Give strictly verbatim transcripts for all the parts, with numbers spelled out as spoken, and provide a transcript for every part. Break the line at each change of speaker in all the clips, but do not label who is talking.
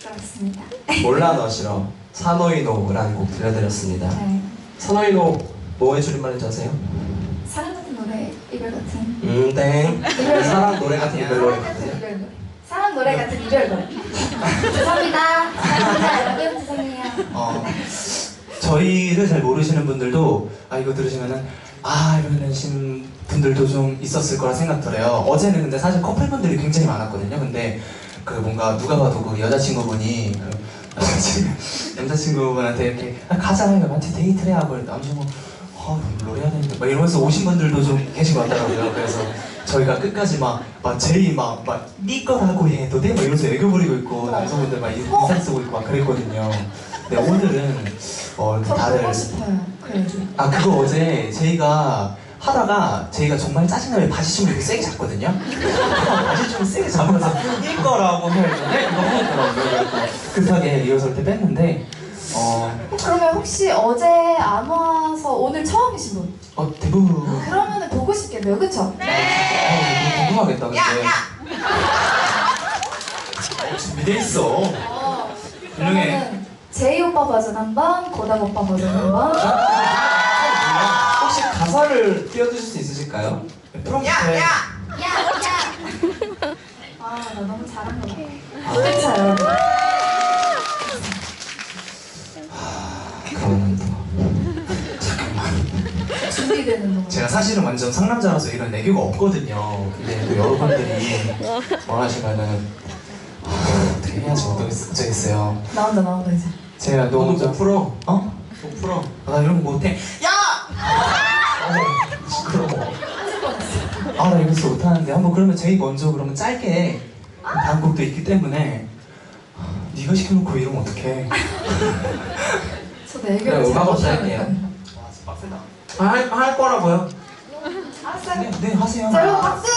그렇습니다.
몰라 너 싫어 사노이노라는 곡 들려드렸습니다.
네.
사노이노 뭐의 줄임말인지 아세요?
사랑 같은 노래, 이별 같은.
음땡 사랑 노래 같은 이별 노래
사랑 같은
같은
이별 노래. 사랑 노래 같은 이별 노래. 죄송합니다. 사랑합니다 여러분, 죄송해요.
어, 저희를 잘 모르시는 분들도 아 이거 들으시면은 아 이러시는 분들도 좀 있었을 거라 생각 들어요. 어제는 근데 사실 커플분들이 굉장히 많았거든요. 근데 그 뭔가 누가 봐도 그 여자친구분이 그 남자친구분한테 이렇게 아, 가자 이거 같이 데이트를 해 하고 남자친구 아 롤 해야 되는데 막 이러면서 오신 분들도 좀 계신 것 같더라고요. 그래서 저희가 끝까지 막, 막 제이 막, 막, 네 거라고 해도 돼? 막 이러면서 애교 부리고 있고, 남성분들 막 인상 쓰고 있고 막 그랬거든요. 근데 오늘은, 어, 이렇게
저
다들.
보고 싶어요. 그래줘.
아, 그거 어제 제이가 하다가, 제이가 정말 짜증나게 바지춤을 이렇게 세게 잡거든요? 바지춤을 세게 잡으면서 네 거라고 해야 되네? 이거 하더라고요. 급하게 리허설 때 뺐는데, 어.
그러면 혹시 어제 안 와서 오늘 처음이신 분?
어, 대부분.
그러면은 보고 싶겠네요, 그쵸?
네. 어, 궁금하겠다, 근데.
야, 야!
준비돼 있어.
어,
훌륭해.
그러면은 제이 오빠 버전 한 번, 고닥 오빠 버전 한 번.
혹시 가사를 띄워주실 수 있으실까요?
프롬프트에.
야, 야! 아, 나 너무 잘한 거 같아. 그쵸, 여러분?
그러면 또
준비되는 동안.
제가 사실은 완전 상남자라서 이런 애교가 없거든요. 근데 또 여러분들이 원하시면은 하, 어떻게 해야지 어쩌겠어요.
나온다, 나온다, 이제.
제가
너도
너무
좀 풀어
어?
좀 풀어
아, 나 이런 거 못해. 야!
어, 시끄러워
아, 나 이런 거 못하는데 한번 그러면 제이 먼저 그러면 짧게 다음 곡도 있기 때문에 네가 시켜놓고 이러면 어떡해.
저도 애교를
그래,
잘
음악 없이
못하니까.
할게요.
와, 진짜 빡세다.
할, 할 거라고요?
알았어요.
네, 네 하세요.
자, 여러분 박수!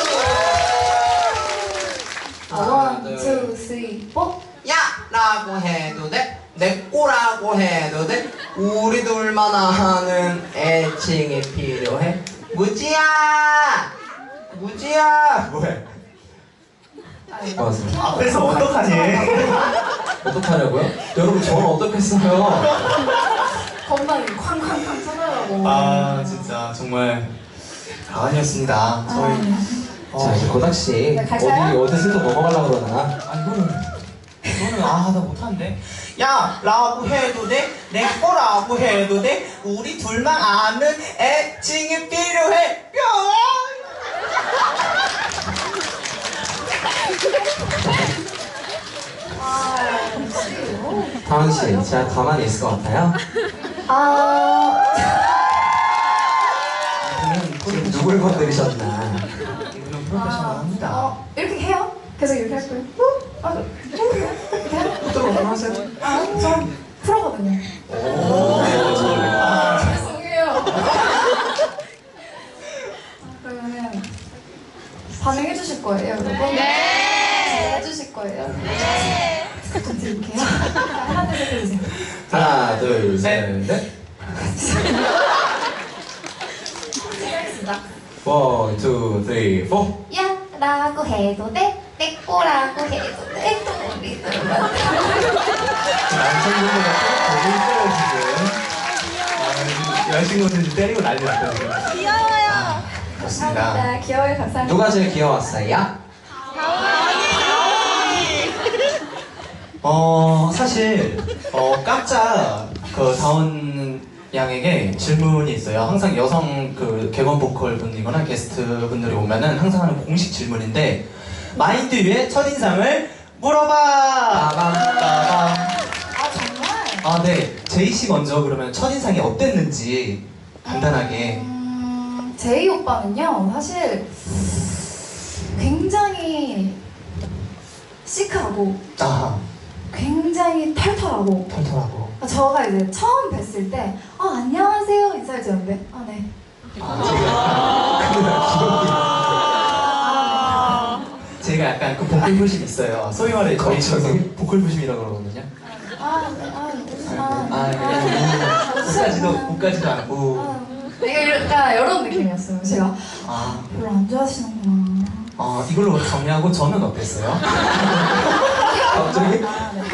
하나,
원,
둘.
투, 쓰리, 포.
야! 라고 해도 돼? 내 꼬라고 해도 돼? 우리 둘만 아는 애칭이 필요해? 무지야! 무지야!
뭐해?
맞아요.
앞에서 어떡하니?
어떡하냐고요? 여러분 저는 어떡했어요?
건방이 쾅쾅쾅 쳐나가고.
아, 진짜 정말 가관이었습니다. 저희 어,
자 이제 고닥씨
네, 갈까요?
어디 어디 슬쩍 넘어가려고 그러나?
아 이거는 이거는 아 나 못하는데. 야 라고 해도 돼? 내 거라고 해도 돼? 우리 둘만 아는 애칭이 필요해. 뿅.
아, 역시. 오.
다은씨 제가 가만히 있을 것 같아요?
아,
이분은
지금 누굴 건드리셨나?
이분은 프로페셔널합니다.
어, 이렇게 해요? 계속 이렇게 할 거예요? 어? 아, 이렇게 해요?
또 하세요.
아, 저 프로거든요.
오.
죄송해요. 그러면 반응해 주실 거예요, 여러분? 네. 해주실 거예요? 네. 좀 드릴게요. 하나, 둘, 셋 해주세요.
하나 둘셋넷
시작하겠습니다.
원, 투, 쓰리, 포.
야! 라고 해도 돼? 내 거라고 해도 돼? 우리 둘만
남성분보다 되게 힘들어요 지금. 아, 여자친구들 때리고 난리 났다 지금.
귀여워요.
그렇습니다.
감사합니다. 귀여워요. 감사합니다.
누가 제일 귀여웠어요?
어 사실 어 깜짝 그 다운 양에게 질문이 있어요. 항상 여성 그 객원 보컬 분이거나 게스트 분들이 오면은 항상 하는 공식 질문인데 마인드 위의 첫인상을 물어봐. 빠밤 빠밤.
아, 정말?
아 네, 제이 씨 먼저 그러면 첫인상이 어땠는지 간단하게.
음, 제이 오빠는요, 사실 굉장히 시크하고
아
굉장히 털털하고
털털하고.
저가 이제 처음 뵀을 때 어, 안녕하세요 인사해주는데 아, 네.
아 제가 근데 나 기억이.
아,
제가 약간 그 보컬 부심이 있어요. 소위 말해 저희
거쳐서.
저기 보컬 부심이라고 그러거든요.
네. 아, 네. 아, 네. 아,
아,
아,
그냥 우까지도 우까지도 않고.
아, 되게 약간 이런 느낌이었어요. 제가
아,
별로 안 좋아하시는구나.
어 이걸로 정리하고 저는 어땠어요?
갑자기?
아, 네.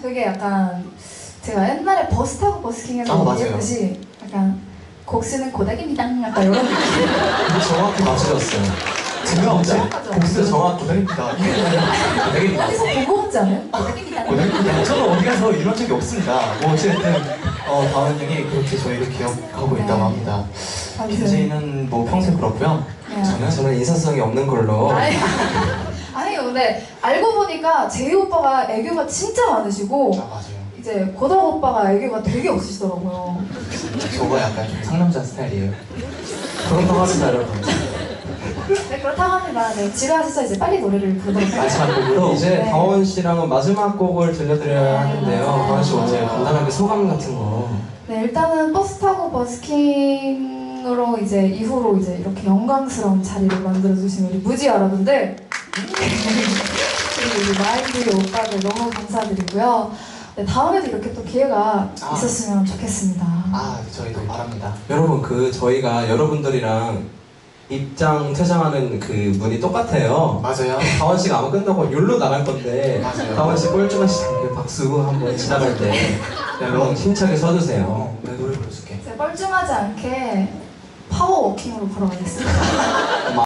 그게 약간 제가 옛날에 버스 타고 버스킹에서
아, 맞아요.
얘기했듯이 약간 곡 쓰는 고닥입니다. 약간 이런 느낌.
근데 정확히 맞추셨어요.
제가
진짜?
정확하죠.
복수 정확 고등입니다.
되게
어디서 보고 온지 않아요? 고닥입니다.
고등입니다. 저는 어디 가서 이런 적이 없습니다. 뭐 어쨌든 어, 다은 형이 그렇게 저희를 기억하고
네.
있다고 합니다.
아무튼.
김재희는 뭐 평소에 그렇고요.
네.
저는
저는 인사성이 없는 걸로.
아니, 아니요, 근데 알고 보니까 제이 오빠가 애교가 진짜 많으시고
아 맞아요.
이제 고덕 오빠가 애교가 되게 없으시더라고요.
저거 약간 좀 상남자 스타일이에요.
그렇다고 합니다, 여러분.
네, 그렇다고 합니다. 네, 지루하셔서 이제 빨리 노래를 부르도록
마지막
그럼
곡으로
이제
네.
다원 씨랑은 마지막 곡을 들려드려야 하는데요.
맞아요.
다원 씨 어제 간단하게 소감 같은 거.
네, 일단은 버스 타고 버스킹으로 이제 이후로 이제 이렇게 영광스러운 자리를 만들어주신 우리 무지 여러분들 그리고 우리 마인드 오빠들 너무 감사드리고요. 네, 다음에도 이렇게 또 기회가
아.
있었으면 좋겠습니다.
아 저희도 바랍니다.
여러분 그 저희가 여러분들이랑 입장 퇴장하는 그 문이 똑같아요.
맞아요.
다원 씨가 아마 끝나고 욜로 나갈 건데
맞아요.
다원 씨 꼴찌만 시작해 박수 한번 지나갈 때 여러분 힘차게 서주세요.
어, 내 노래 불러줄게.
제가 뻘쭘하지 않게 파워워킹으로 걸어가겠습니다.